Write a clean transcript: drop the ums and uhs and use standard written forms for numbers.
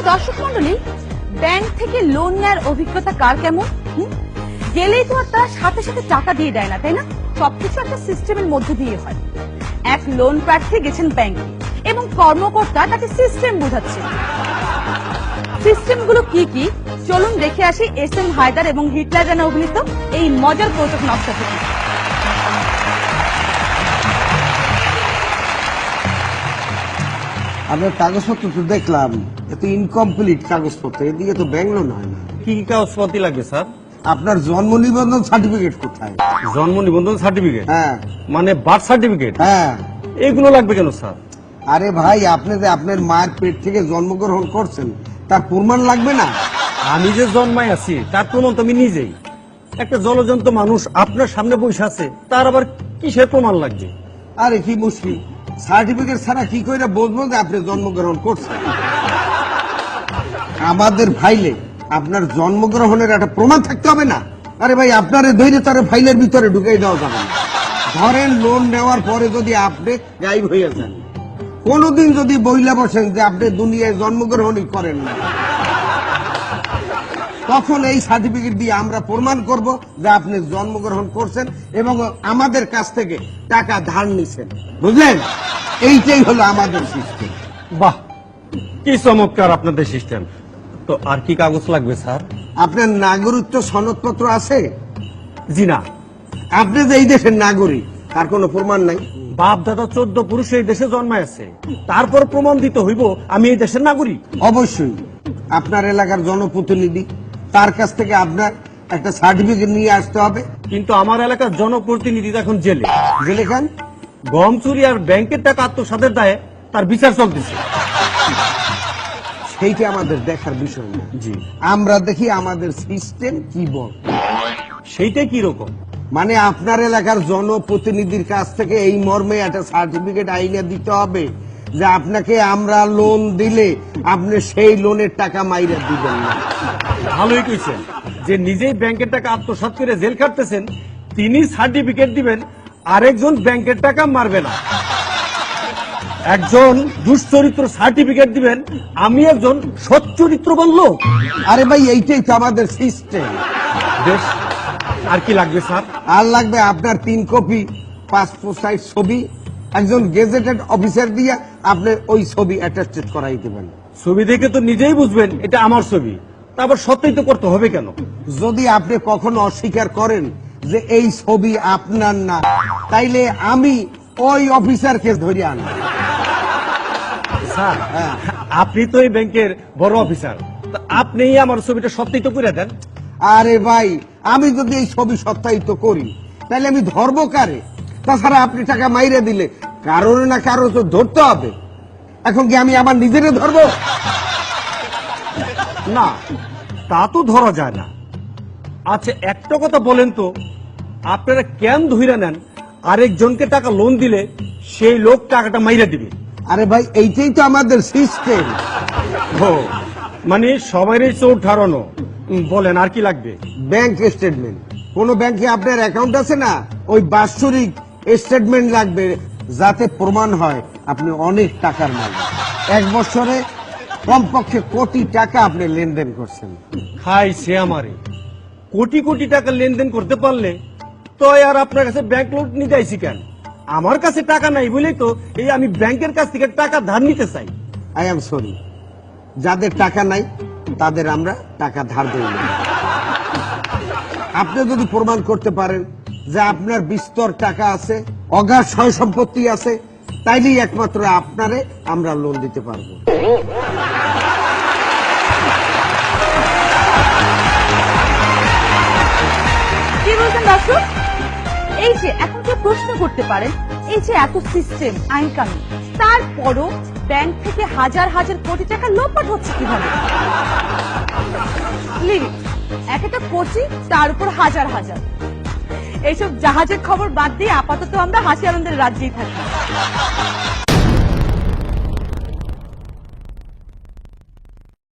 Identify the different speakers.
Speaker 1: দর্শক মন্ডলী, ব্যাংক থেকে লোন নেওয়ার অভিজ্ঞতা কার কেমন? গেলেই তো আর তারা সাথে সাথে টাকা দিয়ে দেয় না, তাই না? সবকিছু একটা সিস্টেমের মধ্যে দিয়ে হয়। এক লোন প্রার্থী গেছেন ব্যাংকে এবং কর্মকর্তা তাকে সিস্টেম বোঝাচ্ছে। সিস্টেমগুলো কি কি চলুন দেখে আসি এস.এম. হায়দার এবং হিটলার রানা অভিনীত এই মজার কৌতুক নকশা থেকে।
Speaker 2: আপনার কাগজপত্র তো দেখলাম, এত ইনকমপ্লিট কাগজপত্র, এদিকে তো ব্যাংলো নয় না।
Speaker 3: কি কি কাগজপত্র লাগবে স্যার?
Speaker 2: আপনার জন্ম নিবন্ধন সার্টিফিকেট কোথায়?
Speaker 3: জন্ম নিবন্ধন সার্টিফিকেট?
Speaker 2: হ্যাঁ।
Speaker 3: মানে বার্থ সার্টিফিকেট?
Speaker 2: হ্যাঁ।
Speaker 3: এগুলো লাগবে কেন স্যার?
Speaker 2: আরে ভাই, আপনি যে আপনার মায়ের পেট থেকে জন্মগ্রহণ করছেন তার প্রমাণ লাগবে না?
Speaker 3: আমি যে জন্মায় আছি তার প্রমাণ তো আমি নিজেই। একটা জলজন্ত মানুষ আপনার সামনে বসে আছে, তার আবার কিসের প্রমাণ লাগবে?
Speaker 2: আরে কি মুশকিল, সার্টিফিকেট ছাড়া কি করে বুঝবো যে আপনি জন্মগ্রহণ করছেন? আমাদের ফাইলে আপনার জন্মগ্রহণের একটা প্রমাণ থাকতে হবে না? আরে ভাই, আপনারে ধৈর্য তার ফাইলের ভিতরে ঢুকাই দেওয়া যাবে না। ধরেন লোন নেওয়ার পরে যদি আপনি গায়েব হয়ে যান, কোনদিন যদি বইলা বসেন যে আপনি দুনিয়ায় জন্মগ্রহণই করেন না, তখন এই সার্টিফিকেট দিয়ে আমরা প্রমাণ করব যে আপনি জন্মগ্রহণ করছেন এবং আমাদের কাছ থেকে টাকা ধার নিছেন। বুঝলেন? এইটাই হলো আমাদের সিস্টেম।
Speaker 3: বাহ, কি চমৎকার আপনাদের সিস্টেম। তো আর কি কাগজ লাগবে স্যার?
Speaker 2: আপনার নাগরিকত্ব সনদপত্র আছে?
Speaker 3: জি না।
Speaker 2: আপনি যে এই দেশের নাগরিক তার কোনো প্রমাণ নাই?
Speaker 3: বাপ দাদা 14 পুরুষ এই দেশে জন্মায় আছে, তারপর প্রমাণ দিতে হইব আমি এই দেশের নাগরিক।
Speaker 2: অবশ্যই আপনার এলাকার জনপ্রতিনিধি, তার কাছ থেকে আপনার একটা সার্টিফিকেট নিয়ে আসতে হবে।
Speaker 3: কিন্তু আমার এলাকার জনপ্রতিনিধি এখন জেলে।
Speaker 2: জেলে খান?
Speaker 3: গম চুরি আর ব্যাংকের টাকা আত্মসাতের দায়ে তার বিচার চলতেছে।
Speaker 2: সেইটা আমাদের দেখার বিষয় না।
Speaker 3: জি।
Speaker 2: আমরা দেখি আমাদের সিস্টেম কি বল।
Speaker 3: সেইটাই কি রকম?
Speaker 2: মানে আপনার এলাকার জনপ্রতিনিধির কাছ থেকে এই মর্মে একটা সার্টিফিকেট আইনে দিতে হবে যে আপনাকে আমরা লোন দিলে আপনি সেই লোনের টাকা মাইরা দিবেন না।
Speaker 3: ভালোই কইছেন, যে নিজেই ব্যাংকের টাকা আত্মসাৎ করে জেল খাটতেছেন তিনি সার্টিফিকেট দিবেন, আরেকজন ব্যাংকের টাকা মারবে না। একজন দুশ্চরিত্র সার্টিফিকেট দিবেন, আমি একজন সচ্চরিত্রবান লোক।
Speaker 2: আরে ভাই, এইটাই তো আমাদের সিস্টেম।
Speaker 3: বেশ, আর কি লাগবে স্যার?
Speaker 2: আর লাগবে আপনার 3 কপি পাসপোর্ট সাইজ ছবি, একজন গেজেটেড অফিসার দিয়ে আপনি ওই ছবি অ্যাটাস্টেড করাই দেবেন।
Speaker 3: ছবি দেখে তো নিজেই বুঝবেন এটা আমার ছবি, তারপর সত্যিই করতে হবে কেন?
Speaker 2: যদি আপনি কখনো অস্বীকার করেন যে এই ছবি আপনার না, তাইলে আমি ওই অফিসারকে ধরে আনব।
Speaker 3: স্যার, আপনি তো এই ব্যাংকের বড় অফিসার, আপনি আমার ছবিটা সত্যিই তো করে দেন।
Speaker 2: আরে ভাই, আমি যদি এই ছবি সত্যায়িত করি তাহলে আমি ধরবো কারে? তাছাড়া আপনি টাকা মাইরে দিলে কারোর না কারো তো ধরতে হবে। এখন কি আমি আমার নিজেরে ধরবো?
Speaker 3: না, তা তো ধরা যায় না। আচ্ছা, একটা কথা বলেন তো, আপনারা কেন ধইরা নেন আরেকজনকে টাকা লোন দিলে সেই লোক টাকাটা মাইরা দিবে?
Speaker 2: আরে ভাই, এইটাই তো আমাদের সিস্টেম।
Speaker 3: ও, মানে সবারই চোর ঠারানো। বলেন আর কি লাগবে?
Speaker 2: Bank statement. কোন ব্যাংকে আপনার অ্যাকাউন্ট আছে না, ওই বাৎসরিক স্টেটমেন্ট লাগবে, যাতে প্রমাণ হয় আপনি অনেক টাকার মালিক। 1 বছরে কমপক্ষে কোটি টাকা আপনি লেনদেন করছেন।
Speaker 3: খাই সে আমারে, কোটি কোটি টাকা লেনদেন করতে পারলে তো আর আপনার কাছে ব্যাংক লোন নিতে আইছি কেন? আমার কাছে টাকা নাই বলেই তো এই আমি ব্যাংকের কাছ থেকে টাকা ধার নিতে চাই।
Speaker 2: আই এম সরি, যাদের টাকা নাই তাদের আমরা টাকা ধার দেই না। আপনি যদি প্রমাণ করতে পারেন যে আপনার বিস্তর টাকা আছে, অগাধ সয় সম্পত্তি আছে, তাইলেই একমাত্র আপনারে আমরা লোন দিতে পারবো।
Speaker 1: কি বলছেন দর্শক? এই যে এখন কেউ প্রশ্ন করতে পারেন, এই যে এত সিস্টেম আইন কানুন, তারপরও ব্যাংক থেকে হাজার হাজার কোটি টাকা লোপাট হচ্ছে কিভাবে? লিমিট, এক একটা কোটি, তার উপর হাজার হাজার। এইসব জাহাজের খবর বাদ দিয়ে আপাতত আমরা হাসি আনন্দের রাজ্যেই থাকি।